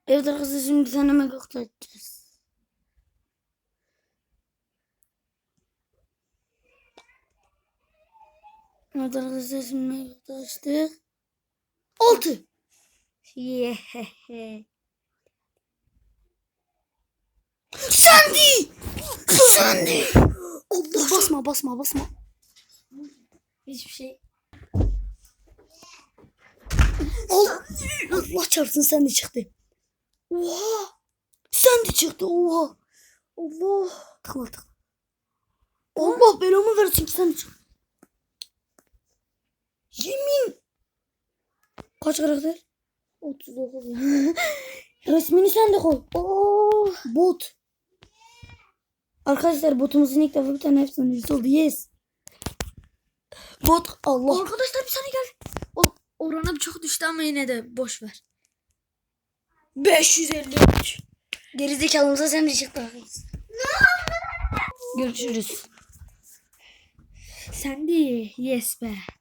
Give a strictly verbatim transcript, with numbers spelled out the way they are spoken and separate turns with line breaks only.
Evet arkadaşlar şimdi bir tane mega kutu açacağız. Evet arkadaşlar şimdi mega kutu açtık. Altı. Yehehe. Sandy. Sandy. Allah basma basma basma. Hiçbir şey. Allah, Allah çarpsın Sandy çıktı. Oha. Sandy çıktı oha. Allah. Tıkla tıkla. Allah belamı versin Sandy çıktı. Yemin. Kaç karakter? otuz dokuz. Resmini sen de koy. Oh, bot. Arkadaşlar botumuzun ilk defa bir tane efsanesi oldu. Yes. Bot Allah.
Arkadaşlar bir saniye gel. O oranı çok düştü ama yine de boş ver.
beş yüz elli üç. Gerizekalımıza sen de çıktı. Görüşürüz.
Sen de yes be.